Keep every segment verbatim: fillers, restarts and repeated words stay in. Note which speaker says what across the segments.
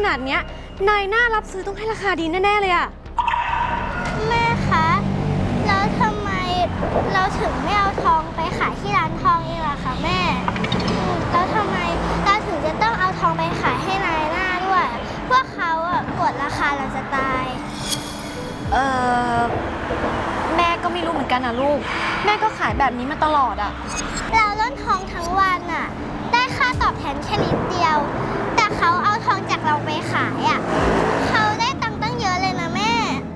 Speaker 1: นาดเนี้ยนายหน้ารับซื้อต้องให้ราคาดีแน่ๆเลยอะ
Speaker 2: แม่คะแล้วทำไมเราถึงไม่เอาทองไปขายที่ร้านทองเองล่ะคะแม่แล้วทำไมเราถึงจะต้องเอาทองไปขายให้นายหน้าด้วยพวกเขาอะกดราคาเราจะตาย
Speaker 1: เออแม่ก็ไม่รู้เหมือนกันนะลูกแม่ก็ขายแบบนี้มาตลอดอะ
Speaker 2: เราล้นทองทั้งวันอะได้ค่าตอบแทนแค่นิดเดียวแต่เขาเอาทองจากเราไปขายอะเขาได้ตังค์ตั้งเยอะเลยนะแม่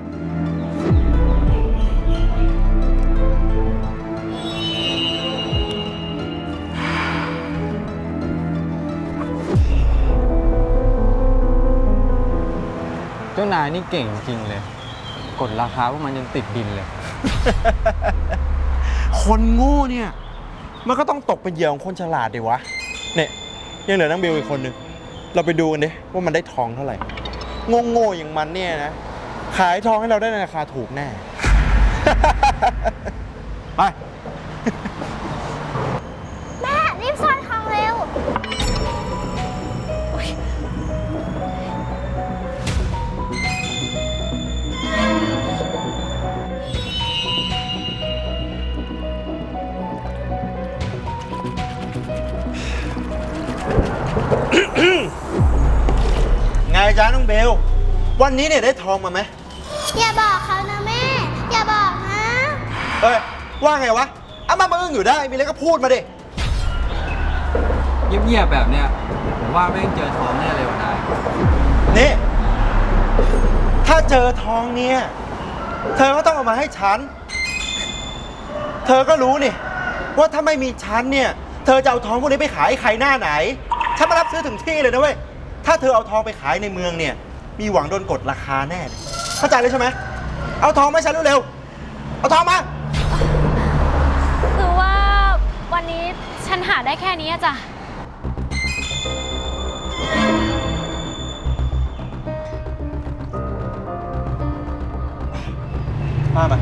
Speaker 3: เจ้านายนี่เก่งจริงเลยกดราคาพวกมันยังติดดินเลย
Speaker 4: คนโง่เนี่ยมันก็ต้องตกเป็นเหยื่อของคนฉลาดดิวะเนี่ยยังเหลือนังเบลอีกคนนึงเราไปดูกันดิว่ามันได้ทองเท่าไหร่โง่ๆอย่างมันเนี่ยนะขายทองให้เราได้ในราคาถูกแน่ ไป
Speaker 2: แม่รีบซ่อนทองเร็ว
Speaker 4: ไงจ๊ะน้องเบลวันนี้เนี่ยได้ทองมาไหม
Speaker 2: อย่าบอกเขานะแม่อย่าบอกนะ
Speaker 4: เอ้ยว่าไงวะเอามามึงอยู่ได้มีอะไรก็พูดมาดิ
Speaker 3: เงียบๆแบบเนี้ยผมว่าไม่ต้องเจอทองแน่เลยวันนาย
Speaker 4: นี่ถ้าเจอทองเนี่ยเธอก็ต้องเอามาให้ฉันเธอก็รู้นี่ว่าถ้าไม่มีฉันเนี่ยเธอจะเอาทองพวกนี้ไปขายให้ใครหน้าไหนฉันมารับซื้อถึงที่เลยนะเว้ยถ้าเธอเอาทองไปขายในเมืองเนี่ยมีหวังโดนกดราคาแน่เข้าใจเลยใช่ไหมเอาทองมาให้ฉันเร็วๆเอาทองมา
Speaker 1: คือว่าวันนี้ฉันหาได้แค่นี้จ้ะ
Speaker 4: มามา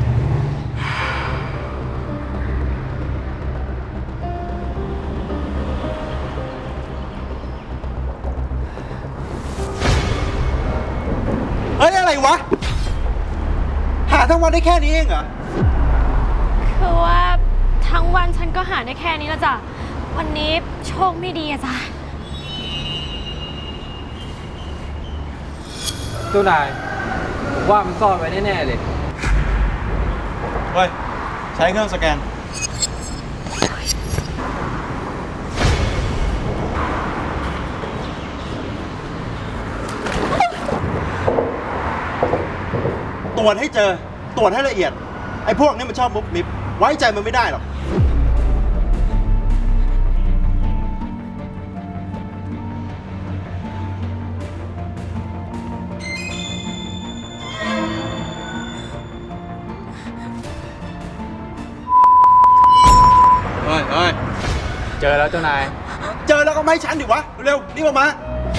Speaker 4: เฮ้ยอะไรวะหาทั้งวันได้แค่นี้เองเหรอ
Speaker 1: คือว่าทั้งวันฉันก็หาได้แค่นี้ละจ้ะวันนี้โชคไม่ดีอะจ้ะ
Speaker 3: เจ้านายผมว่ามันซ่อนไว้แน่ๆเลย
Speaker 4: เฮ้ยใช้เครื่องสแกนตรวจให้เจอตรวจให้ละเอียดไอ้พวกนี้มันชอบมุกมิบไว้ใจมันไม่ได้หรอกเฮ้ยเฮ้ย
Speaker 3: เจอแล้วเจ้านาย
Speaker 4: เจอแล้วก็ไม่ให้ฉันดิวะเร็วรีบออกมา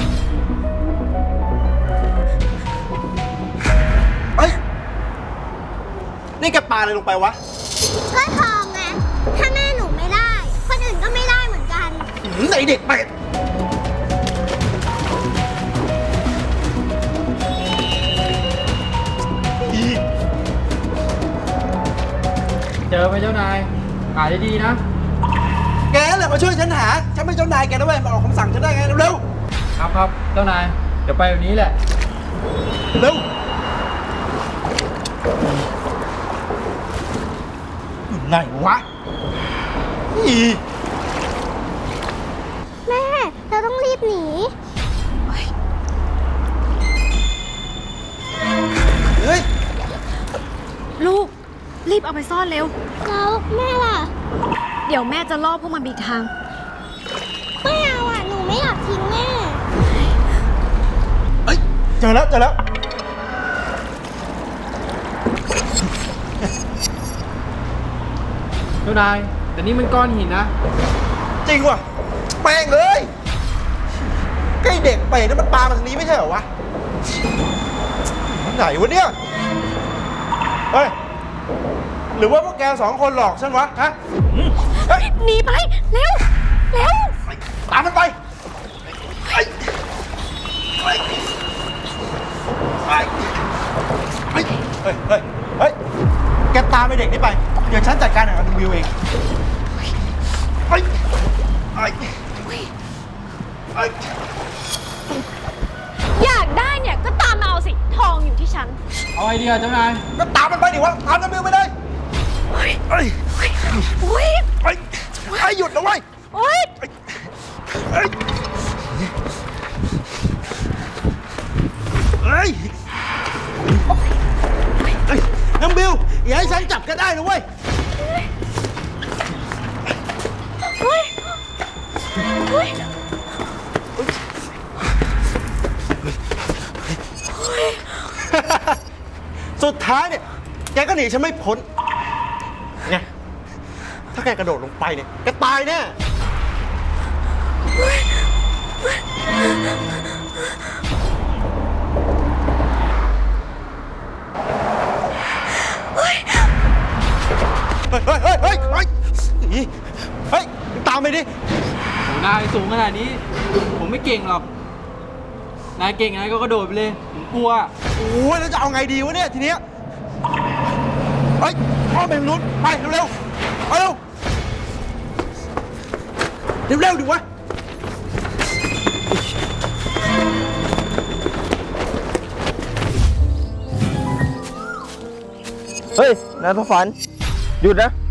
Speaker 4: เฮ้ยนี่แกปาอะไรลงไปวะ
Speaker 2: ก็ทองไงถ้าแม่หนูไม่ได้คนอื่นก็ไม่ได้เหมือนกัน
Speaker 4: ไหนเด็กไป
Speaker 3: เจอไหมเจ้านายหาดีๆนะ
Speaker 4: แกแหละมาช่วยฉันหาฉันไม่เจ้านายแกนะเว้ยมาออกคำสั่งฉันได้ไงเร็ว
Speaker 3: ๆครับครับเจ้านายเดี๋ยวไปแบบนี้แหละ
Speaker 4: เร็วอยู่ไหนวะอี
Speaker 2: แม่เราต้องรีบหนี
Speaker 4: เฮ้ย
Speaker 1: ลูกรีบเอาไปซ่อนเร็ว
Speaker 2: แล้วแม่ล่ะ
Speaker 1: เดี๋ยวแม่จะล่อพวกมันบีทาง
Speaker 2: ไม่เอาอ่ะหนูไม่อยากทิ้งแม่
Speaker 4: เฮ้ยเจอแล้วเจอแล้ว
Speaker 3: เจ้านายแต่นี่มันก้อนหินนะ
Speaker 4: จริงว่ะแม่งเลยใกล้เด็กไปนั่นมันปลามาทางนี้ไม่ใช่เหรอวะไหนวะเนี่ยเฮ้ยหรือว่าพวกแกสองคนหลอกฉันวะฮะ
Speaker 1: หนีไปเร็วเร็ว
Speaker 4: ตามมันไปฮ้ย เฮ้ย เฮ้ย แกตามไอเด็กนี่ไป เดี๋ยวฉันจัดการกับวิวเองเฮ้ยเฮ้ยเฮ้ย
Speaker 1: อยากได้เนี่ยก็ตามมาเอาสิ ทองอยู่ที่ฉัน
Speaker 3: เอาไอเดียเจ้านาย
Speaker 4: ก็ตามมันไปดิวะ ตามน้ำวิวไปเลยเฮ้ยเฮ้ย
Speaker 1: อุ้ย
Speaker 4: เฮ้ยไอ้หยุดนะเว้ย
Speaker 1: อุ้ย
Speaker 4: เฮ้ย เฮ้ย เฮ้ย น้ำบิว อย่าให้ฉันจับก็ได้นะเว้ย
Speaker 1: อุ้ยอุ้ย
Speaker 4: สุดท้ายเนี่ย แกก็หนีฉันไม่พ้นไงถ้าแกกระโดดลงไปเนี่ย แกตายแน่ เฮ้ย เฮ้ย เฮ้ย เฮ้ย เฮ้ยหนีเฮ้ย ตามไปดิ
Speaker 3: โหนายสูงขนาดนี้ ผมไม่เก่งหรอก นายเก่งนายก็กระโดดไปเลย ผมกลัว
Speaker 4: โอ้ยแล้วจะเอาไงดีวะเนี่ยทีเนี้ยเฮ้ยอ้อมไปทางนู้นไปเร็วๆไปเร็วเร็วๆดิวะเฮ้ยนายทฝันหยุดนะ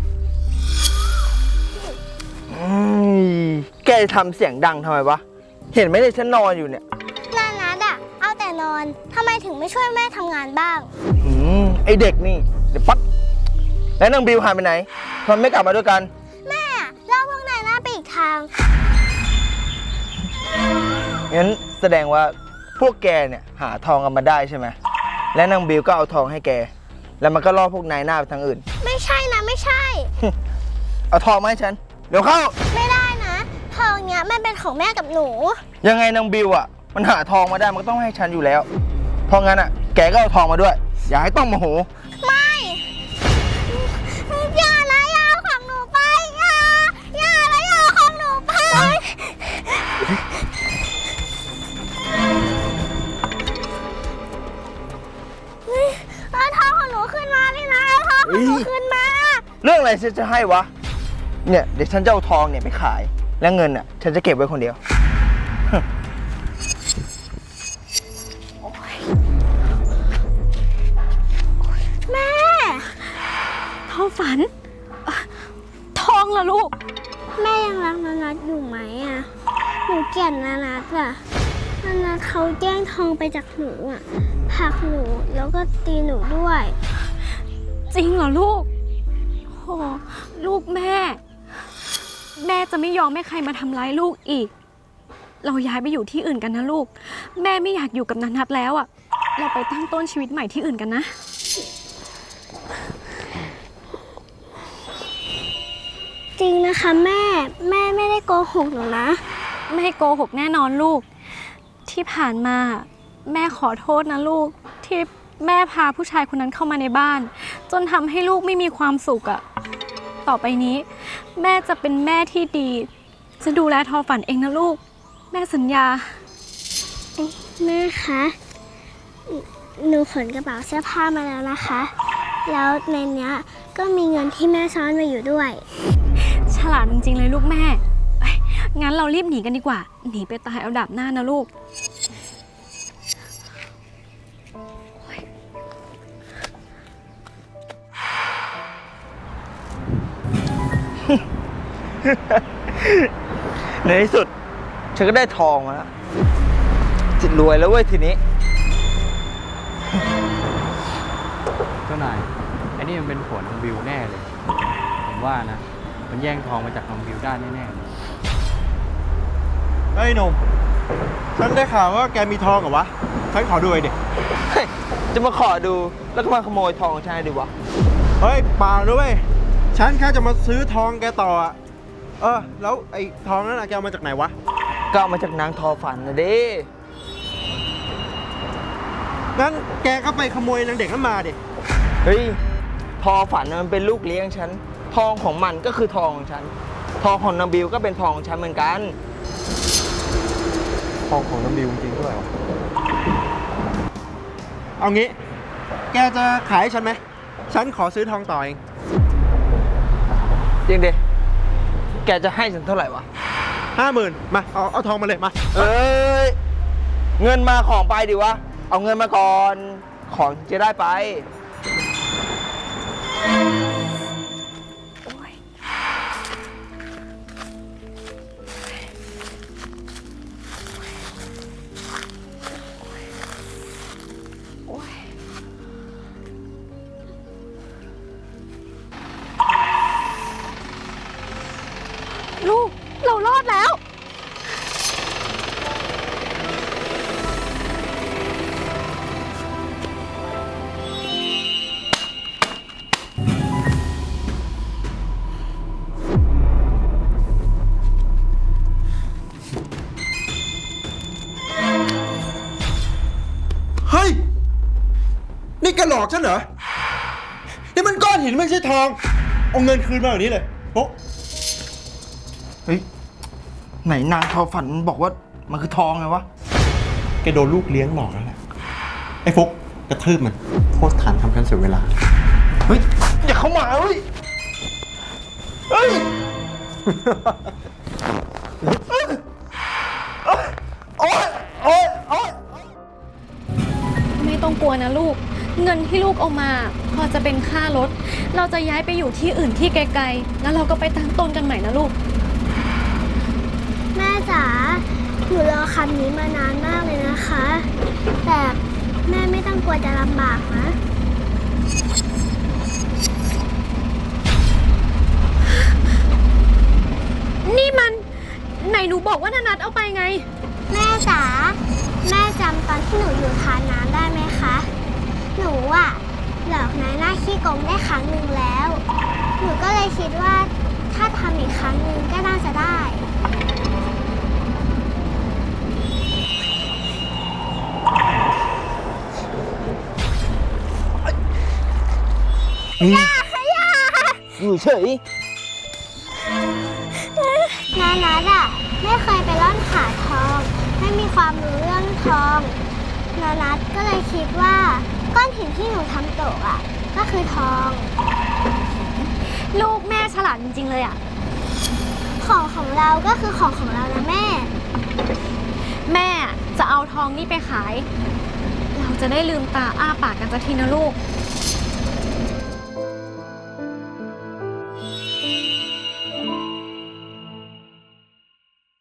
Speaker 4: แกทำเสียงดังทำไมวะเห็นไหมเนี่ยฉันนอนอยู่เนี่ย
Speaker 2: นานัดอะเอาแต่นอนทำไมถึงไม่ช่วยแม่ทำงานบ้าง
Speaker 4: อืมไอเด็กนี่เดี๋ยวปั๊บแล้วนางบิวหายไปไหนทำไมไม่กลับมาด้วยกัน
Speaker 2: แม่อะเล่าพวกนายหน้าไปอีกทาง
Speaker 4: งั้นแสดงว่าพวกแกเนี่ยหาทองกันมาได้ใช่ไหมและนางบิวก็เอาทองให้แก แล้วมันก็ล่อพวกนายหน้าไปทางอื่น
Speaker 2: ไม่ใช่นะไม่ใช่
Speaker 4: เอาทองมาให้ฉันเดี๋ยวเข้า
Speaker 2: ไม่ได้นะทองเนี้ยมันเป็นของแม่กับหนู
Speaker 4: ยังไงนางบิวอ่ะมันหาทองมาได้มันก็ต้องให้ฉันอยู่แล้ว เพราะงั้นอ่ะแกก็เอาทองมาด้วย อย่าให้ต้องโมโห
Speaker 2: ไม่อย่านะอย่าเอาของหนูไปอย่าอย่านะอย่าเอาของหนูไปเอาทองของหนูขึ้นมาเลยนะเอาทองของหนูขึ้นมา
Speaker 4: เรื่องอะไรฉันจะให้วะเนี่ยเดี๋ยวฉันจะเอาทองเนี่ยไปขาย แล้วเงินอ่ะฉันจะเก็บไว้คนเดียว
Speaker 2: แม่
Speaker 1: ทอฝันเอ่อทองเหรอลูก
Speaker 2: แม่ยังรักนานัทอยู่ไหมอ่ะหนูเกลียดนานัทอ่ะนานัทเขาแย่งทองไปจากหนูอ่ะผลักหนูแล้วก็ตีหนูด้วย
Speaker 1: จริงเหรอลูกโหลูกแม่ แม่จะไม่ยอมให้ใครมาทำร้ายลูกอีก เราย้ายไปอยู่ที่อื่นกันนะลูก แม่ไม่อยากอยู่กับนันนัทแล้วอะเราไปตั้งต้นชีวิตใหม่ที่อื่นกันนะ
Speaker 2: จริงนะคะแม่ แม่ไม่ได้โกหกหนูนะ
Speaker 1: ไม่โกหกแน่นอนลูก ที่ผ่านมาแม่ขอโทษนะลูก ที่แม่พาผู้ชายคนนั้นเข้ามาในบ้าน จนทำให้ลูกไม่มีความสุขอะต่อไปนี้ แม่จะเป็นแม่ที่ดี จะดูแลทอฝันเองนะลูก แม่สัญญา
Speaker 2: แม่คะหนูขนกระเป๋าเสื้อผ้ามาแล้วนะคะ แล้วในเนี้ยก็มีเงินที่แม่ซ่อนไว้อยู่ด้วย
Speaker 1: ฉลาดจริงๆเลยลูกแม่เอ้ยงั้นเรารีบหนีกันดีกว่า หนีไปตายเอาดาบหน้านะลูก
Speaker 4: ในที่สุดฉันก็ได้ทองมาแล้วจิตรวยแล้วเว้ยทีนี้
Speaker 3: เจ้านายไอ้นี่มันเป็นผัวน้องบิวแน่เลย ผมว่านะ มันแย่งทองมาจากน้องบิวได้แน่ๆเลย
Speaker 4: เฮ้ยหนุ่มฉันได้ข่าวว่าแกมีทองเหรอวะ ฉันขอดูหน่อยดิเฮ้ยจะมาขอดูแล้วก็มาขโมยทองของฉันดิวะ เฮ้ยเปล่าด้วยฉันแค่จะมาซื้อทองแกต่ออะเออ แล้วไอ้ทองนั้นอะแกเอามาจากไหนวะ ก็เอามาจากนางทอฝันนะดิงั้นแกก็ไปขโมยนางเด็กนั้นมาดิ เฮ้ย ทอฝันมันเป็นลูกเลี้ยงฉัน ทองของมันก็คือทองของฉัน ทองของนางบิวก็เป็นทองของฉันเหมือนกัน ทองของนางบิวจริงด้วยเอางี้แกจะขายให้ฉันไหม ฉันขอซื้อทองต่อเอง
Speaker 5: จริงดิแกจะให้ฉันเท่าไหร่วะ
Speaker 4: ห้าหมื่นมา เอาเอาทองมาเลย มา
Speaker 5: เอ้ย เงินมาของไปดิวะ เอาเงินมาก่อน ของจะได้ไป
Speaker 1: ลูก เรารอดแล้ว
Speaker 4: เฮ้ย นี่แกหลอกฉันเหรอ นี่มันก้อนหินไม่ใช่ทอง เอาเงินคืนมาแบบนี้เลยโป๊ะ
Speaker 5: เฮ้ย ไหนนางทอฝันมันบอกว่ามันคือทองไงวะ
Speaker 4: แกโดนลูกเลี้ยงหลอกแล้วแหละ ไอ้ฟุกกระทืบมัน โทษฐานทำกันเสียเวลา
Speaker 5: เฮ้ย อย่าเข้ามาเฮ้ย เฮ้ย โอ๊ยโอ๊ยโอ๊ย
Speaker 1: ไม่ต้องกลัวนะลูก เงินที่ลูกเอามาพอจะเป็นค่ารถ เราจะย้ายไปอยู่ที่อื่นที่ไกลๆ แล้วเราก็ไปตั้งต้นกันใหม่นะลูก
Speaker 2: แม่จ๋า หนูรอคำนี้มานานมากเลยนะคะ แต่แม่ไม่ต้องกลัวจะลำบากนะ
Speaker 1: นี่มันไหนหนูบอกว่านานัทเอาไปไง
Speaker 2: แม่จ๋า แม่จำตอนที่หนูอยู่ทานน้ำได้ไหมคะ หนูอะหลอกนายหน้าขี้โกงได้ครั้งหนึ่งแล้ว หนูก็เลยคิดว่าถ้าทำอีกครั้งหนึ่งก็น่าจะได้
Speaker 5: อยู่เฉย
Speaker 2: นานัทอะไม่เคยไปร่อนหาทอง ไม่มีความรู้เรื่องทอง นานัทก็เลยคิดว่าก้อนหินที่หนูทำตกอะก็คือทอง
Speaker 1: ลูกแม่ฉลาดจริงๆเลยอะ
Speaker 2: ของของเราก็คือของของเรานะแม่
Speaker 1: แม่จะเอาทองนี่ไปขาย เราจะได้ลืมตาอ้าปากกันสักทีนะลูก
Speaker 2: แ